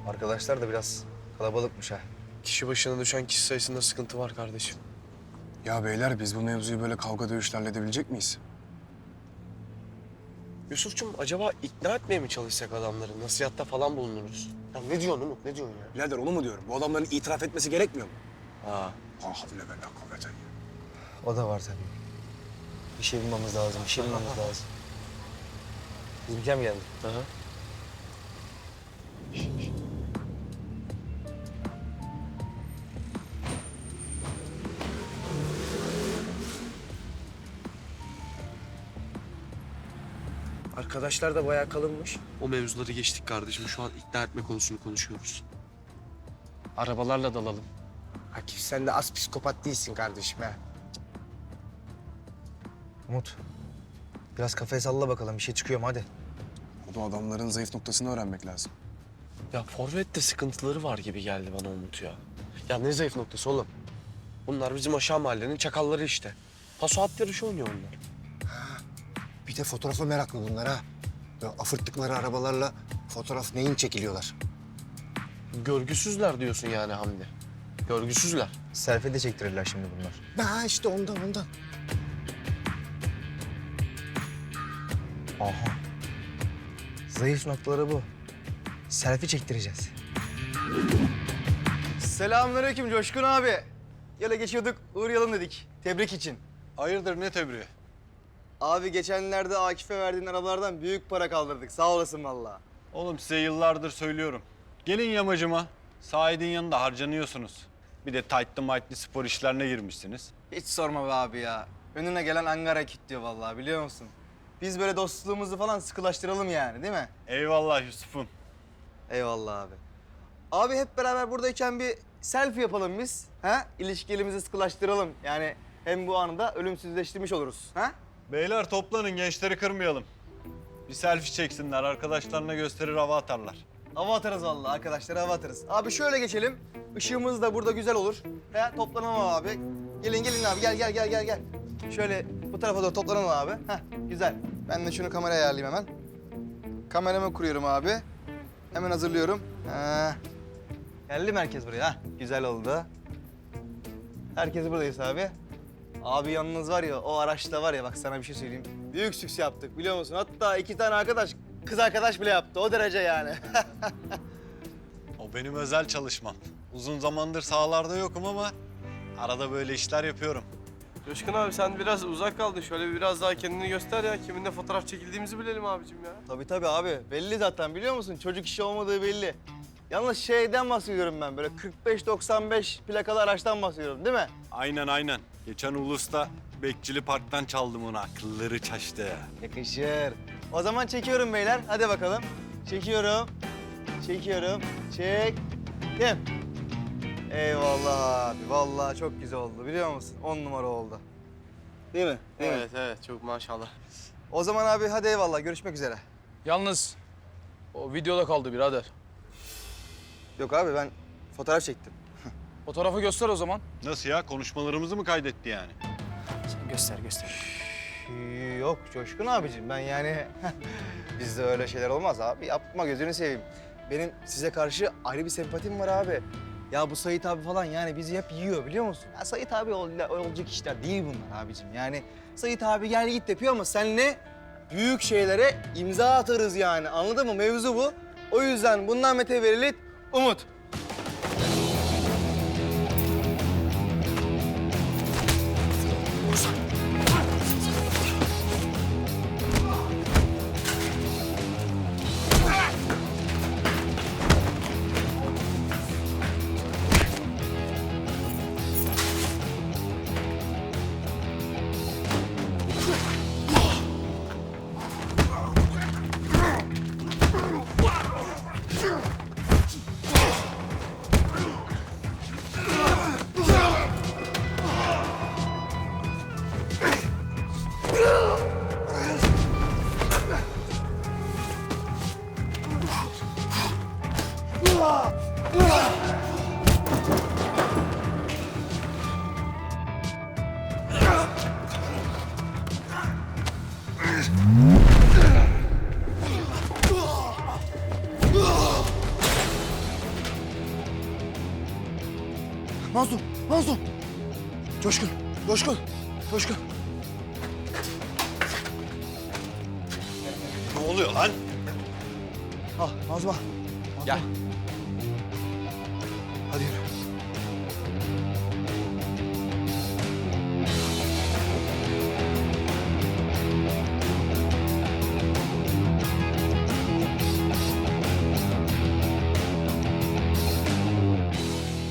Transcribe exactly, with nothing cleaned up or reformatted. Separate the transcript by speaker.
Speaker 1: Arkadaşlar da biraz kalabalıkmış ha.
Speaker 2: Kişi başına düşen kişi sayısında sıkıntı var kardeşim.
Speaker 3: Ya beyler biz bu mevzuyu böyle kavga dövüşle halledebilecek miyiz?
Speaker 2: Yusuf'cum acaba ikna etmeye mi çalışsak adamları? Nasihatta falan bulunuruz. Ya ne diyorsun Umut, ne diyorsun ya?
Speaker 3: Birader onu mu diyorum? Bu adamların itiraf etmesi gerekmiyor mu?
Speaker 2: Ha.
Speaker 3: Ah havle ve la kuvvete.
Speaker 1: O da var tabii. Bir şey bulmamız lazım, bir şey bulmamız lazım. Bizimkiler mi geldi?
Speaker 2: Aha.
Speaker 1: Arkadaşlar da bayağı kalınmış.
Speaker 2: O mevzuları geçtik kardeşim. Şu an ikna etme konusunu konuşuyoruz.
Speaker 4: Arabalarla dalalım.
Speaker 5: Akif sen de az psikopat değilsin kardeşim ha.
Speaker 1: Umut, biraz kafayı salla bakalım. Bir şey çıkıyor mu hadi.
Speaker 3: Bu adamların zayıf noktasını öğrenmek lazım.
Speaker 2: Ya forvette sıkıntıları var gibi geldi bana Umut ya. Ya ne zayıf noktası oğlum? Bunlar bizim aşağı mahallenin çakalları işte. Paso at yarışı oynuyor onlar.
Speaker 5: Bir de fotoğrafa meraklı bunlar ha. Böyle afırttıkları arabalarla fotoğraf neyin çekiliyorlar.
Speaker 2: Görgüsüzler diyorsun yani Hamdi. Görgüsüzler.
Speaker 1: Selfie de çektirirler şimdi bunlar.
Speaker 5: Ha işte ondan ondan.
Speaker 1: Aha. Zayıf noktaları bu. Selfie çektireceğiz.
Speaker 6: Selamünaleyküm Coşkun abi. Yola geçiyorduk, uğrayalım dedik. Tebrik için.
Speaker 7: Hayırdır ne tebriği?
Speaker 6: Abi geçenlerde Akif'e verdiğin arabalardan büyük para kaldırdık. Sağ olasın vallahi.
Speaker 7: Oğlum size yıllardır söylüyorum. Gelin yamacıma. Sahidin yanında harcanıyorsunuz. Bir de tight'lı might'lı spor işlerine girmişsiniz.
Speaker 6: Hiç sorma be abi ya. Önüne gelen Ankara kilitliyor vallahi biliyor musun? Biz böyle dostluğumuzu falan sıkılaştıralım yani değil mi?
Speaker 7: Eyvallah Yusuf'um.
Speaker 6: Eyvallah abi. Abi hep beraber buradayken bir selfie yapalım biz. Ha? İlişkilerimizi sıkılaştıralım. Yani hem bu anı da ölümsüzleştirmiş oluruz. Ha?
Speaker 7: Beyler toplanın gençleri kırmayalım. Bir selfie çeksinler arkadaşlarına gösterir hava atarlar.
Speaker 6: Hava atarız vallahi arkadaşlar, hava atarız. Abi şöyle geçelim. Işığımız da burada güzel olur. He, toplanalım abi. Gelin gelin abi, gel gel gel gel gel. Şöyle bu tarafa doğru toplanalım abi. Heh, güzel. Ben de şunu kameraya ayarlayayım hemen. Kameramı kuruyorum abi. Hemen hazırlıyorum. Ha. Geldi mi herkes buraya? Ha, güzel oldu. Herkes buradayız abi. Abi yalnız var ya, o araçta var ya, bak sana bir şey söyleyeyim. Büyük sükses yaptık biliyor musun? Hatta iki tane arkadaş, kız arkadaş bile yaptı. O derece yani.
Speaker 7: O benim özel çalışmam. Uzun zamandır sahalarda yokum ama arada böyle işler yapıyorum.
Speaker 2: Coşkun abi sen biraz uzak kaldın. Şöyle bir biraz daha kendini göster ya. Kiminle fotoğraf çekildiğimizi bilelim abicim ya.
Speaker 6: Tabii tabii abi. Belli zaten biliyor musun? Çocuk işi olmadığı belli. Yalnız şeyden bahsediyorum ben. Böyle kırk beş doksan beş plakalı araçtan bahsediyorum değil mi?
Speaker 7: Aynen aynen. Geçen Ulus'ta Bekçili Park'tan çaldım onu. Akılları çaştı.
Speaker 6: Yakışır. O zaman çekiyorum beyler. Hadi bakalım. Çekiyorum. Çekiyorum. Çektim. Eyvallah abi. Vallahi çok güzel oldu biliyor musun? On numara oldu. Değil mi? Değil mi?
Speaker 2: Evet evet çok maşallah.
Speaker 6: O zaman abi hadi eyvallah. Görüşmek üzere.
Speaker 4: Yalnız o videoda kaldı birader.
Speaker 6: Yok abi ben fotoğraf çektim.
Speaker 4: Fotoğrafı göster o zaman.
Speaker 7: Nasıl ya? Konuşmalarımızı mı kaydetti yani?
Speaker 4: Sen göster göster.
Speaker 6: Yok Coşkun abicim ben yani bizde öyle şeyler olmaz abi. Yapma gözünü seveyim. Benim size karşı ayrı bir sempatim var abi. Ya bu Sait abi falan yani bizi hep yiyor biliyor musun? Ya Sait abi ol, olacak işler değil bunlar abicim. Yani Sait abi gel git yapıyor ama senle büyük şeylere imza atarız yani. Anladın mı? Mevzu bu. O yüzden bundan mütevellit Umut.
Speaker 5: Mazlum, Mazlum. Coşkun, Coşkun, Coşkun.
Speaker 7: Ne oluyor lan?
Speaker 6: Al Mazlum al.
Speaker 2: Gel.
Speaker 6: Hadi yürü.